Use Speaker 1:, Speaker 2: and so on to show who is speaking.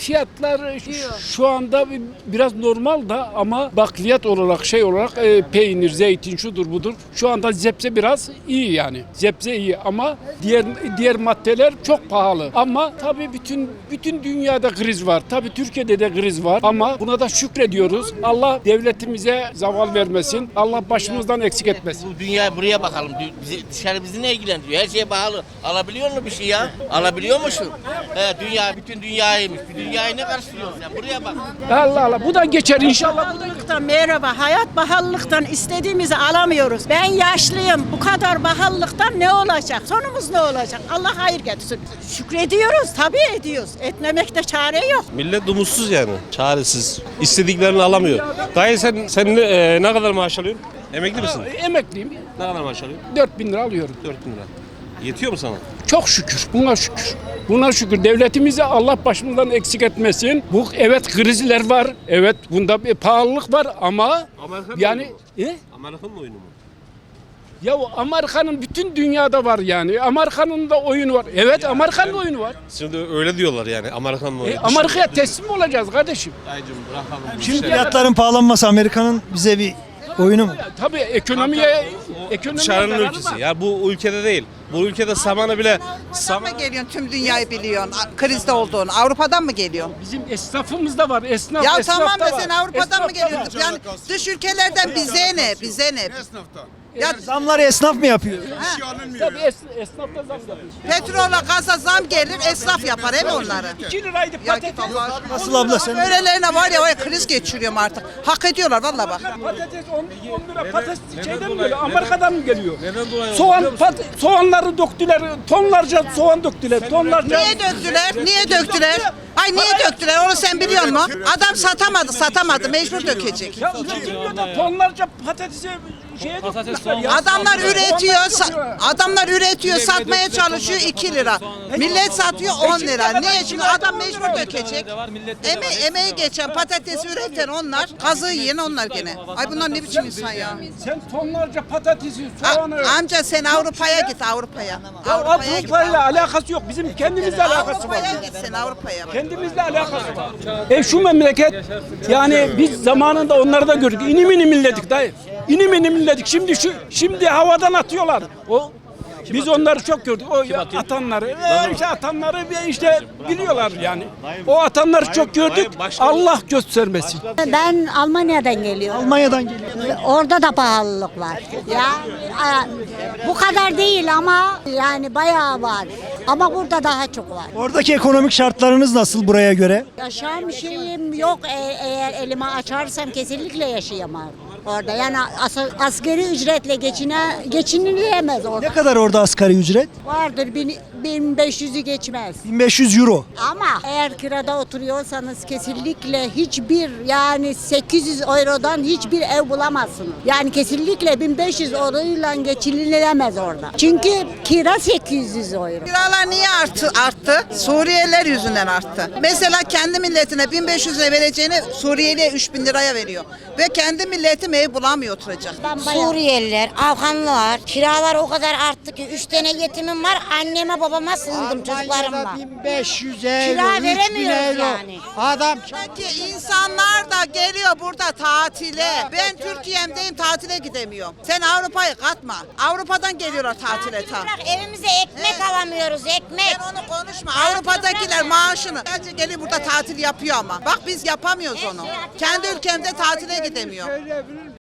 Speaker 1: fiyatlar şu anda biraz normal da ama bakliyat olarak şey olarak peynir, zeytin şudur budur. Şu anda zebze biraz iyi yani. Zebze iyi ama diğer maddeler çok pahalı. Ama tabii bütün dünyada kriz var. Tabii Türkiye'de de kriz var ama buna da şükrediyoruz. Allah devletimize zaval vermesin. Allah başımızdan eksik etmesin.
Speaker 2: Bu dünya buraya bakalım. Dışarı bizi ne ilgilendiriyor? Her şey pahalı. Alabiliyor musun bir şey ya? Alabiliyor musun? Dünya bütün dünyaymış. Bir dünyayı ne karşılıyorsun sen? Buraya bak.
Speaker 1: Allah Allah bu da geçer inşallah.
Speaker 3: Pahalılıktan merhaba. Hayat pahalılıktan istediğimizi alamıyoruz. Ben yaşlıyım. Bu kadar pahalılıktan ne olacak? Sonumuz ne olacak? Allah hayır getirsin. Şükrediyoruz. Tabii ediyoruz. Etmemekte çare yok.
Speaker 4: Millet umutsuz yani. Çaresiz. İstediklerini alamıyor. Dayı sen ne kadar maaş alıyorsun? Emekli misin?
Speaker 1: Emekliyim.
Speaker 4: Ne kadar maaş alıyorsun?
Speaker 1: 4.000 lira alıyorum.
Speaker 4: 4.000 lira. Yetiyor mu sana?
Speaker 1: Çok şükür. Buna şükür. Buna şükür. Devletimize Allah başımızdan eksik etmesin. Bu evet krizler var. Evet bunda bir pahalılık var ama
Speaker 4: Amerika'nın
Speaker 1: yani
Speaker 4: oyunu mu? Amerika'nın oyunu mu?
Speaker 1: ya Amerika'nın bütün dünyada var yani. Amerika'nın da oyunu var. Evet Amerika'nın oyunu var.
Speaker 4: Şimdi öyle diyorlar yani Amerika'nın oyunu.
Speaker 1: Amerika'ya teslim olacağız kardeşim.
Speaker 4: Dayıcım bırakalım.
Speaker 1: Şimdi
Speaker 5: Fiyatların pahalanması Amerika'nın bize bir oyunu mu?
Speaker 1: tabii ekonomiye
Speaker 4: Dışarının
Speaker 1: zararı
Speaker 4: ülkesi.
Speaker 1: var.
Speaker 4: Ya bu ülkede değil. Bu ülkede samanı bile
Speaker 6: Avrupa'dan mı geliyorsun tüm dünyayı biliyorsun krizde olduğunu? Avrupa'dan mı geliyorsun?
Speaker 1: Bizim esnafımız da var. Esnaf,
Speaker 6: Ya
Speaker 1: esnaf
Speaker 6: tamam
Speaker 1: da
Speaker 6: da
Speaker 1: var.
Speaker 6: sen Avrupa'dan
Speaker 1: Esnaf
Speaker 6: mı
Speaker 1: da
Speaker 6: geliyorsun?
Speaker 1: var.
Speaker 6: Yani dış ülkelerden bize ne? Bize ne? Ya
Speaker 5: Zamları esnaf mı yapıyor?
Speaker 1: Tabii esnaf da zam yapıyor.
Speaker 6: petrola, gaza zam gelir, esnaf yapar hep onları.
Speaker 1: 2 liraydı
Speaker 6: Ya
Speaker 1: patates.
Speaker 6: git Allah aşkına.
Speaker 5: Nasıl abla sen?
Speaker 6: Öğrelerine var ya kriz geçiriyorum artık. Hak ediyorlar valla bak.
Speaker 1: Patates 10 lira. Patates şeyden mi geliyor? Amerika'dan mı geliyor?
Speaker 4: Neden dolayı?
Speaker 1: Soğanları döktüler. Tonlarca soğan döktüler. Tonlarca.
Speaker 6: Niye döktüler? Niye döktüler? Ay niye döktüler? Onu sen biliyor musun? Adam satamadı. Mecbur dökecek.
Speaker 1: Ya üretiliyor da tonlarca patatesi şeye döktüler ya.
Speaker 6: Adamlar üretiyor,
Speaker 1: Soğanlar
Speaker 6: adamlar üretiyor, satmaya çalışıyor 2 lira. Millet satıyor 10 lira. Niye? Çünkü adam mecbur dökecek. Emeği geçen patatesi üreten onlar, kazığı yiyen onlar gene. Ay bunlar ne biçim insan ya?
Speaker 1: Sen tonlarca patatesi, soğanı.
Speaker 6: Amca sen Avrupa'ya git Avrupa'ya.
Speaker 1: Ya
Speaker 6: Avrupa'ya git.
Speaker 1: Avrupa'yla alakası yok. Bizim kendimizle alakası var.
Speaker 6: Avrupa'ya git sen Avrupa'ya.
Speaker 1: Kendimizle alakası var. Şu memleket yani biz zamanında onları da gördük. İnim inim illedik dayı. İnim inim illedik. Şimdi havadan atıyorlar. Biz onları çok gördük. O atanları, işte biliyorlar yani. O atanları çok gördük. Allah göstermesin.
Speaker 7: Ben Almanya'dan geliyorum.
Speaker 5: Almanya'dan geliyor.
Speaker 7: Orada da pahalılık var. Ya bu kadar değil ama yani bayağı var. Ama burada daha çok var.
Speaker 5: Oradaki ekonomik şartlarınız nasıl buraya göre?
Speaker 7: Yaşam şeyim yok. Eğer elimi açarsam kesinlikle yaşayamam orada. Yani asgari ücretle geçinilemez orada.
Speaker 5: Ne kadar orada asgari ücret?
Speaker 7: Vardır 1500'ü geçmez.
Speaker 5: 1500 euro.
Speaker 7: Ama eğer kirada oturuyorsanız kesinlikle hiçbir yani 800 eurodan hiçbir ev bulamazsınız. Yani kesinlikle 1500 euroyla geçinilemez orada. Çünkü kira 800 euro.
Speaker 6: Kiralar niye arttı? Suriyeliler yüzünden arttı. Mesela kendi milletine 1500 lira vereceğini Suriyeliye 3000 liraya veriyor. Ve kendi milletim ev bulamıyor oturacak.
Speaker 8: Suriyeliler, Afganlılar, kiralar o kadar arttı ki 3 tane yetimim var, anneme babama sığındım çocuklarımla.
Speaker 5: 1500
Speaker 8: Kira veremiyoruz yani.
Speaker 5: Adam
Speaker 6: Peki insanlar da geliyor burada tatile. Ben Türkiye'mdeyim tatile gidemiyorum. Sen Avrupa'yı katma. Avrupa'dan geliyorlar tatile tam.
Speaker 8: Bırak evimize ekmek alamıyoruz, ekmek.
Speaker 6: Ben onu konuşma. Avrupa'dakiler maaşını sadece geliyor burada tatil yapıyor ama. Bak biz yapamıyoruz onu. Kendi ülkemde tatile gidemiyor.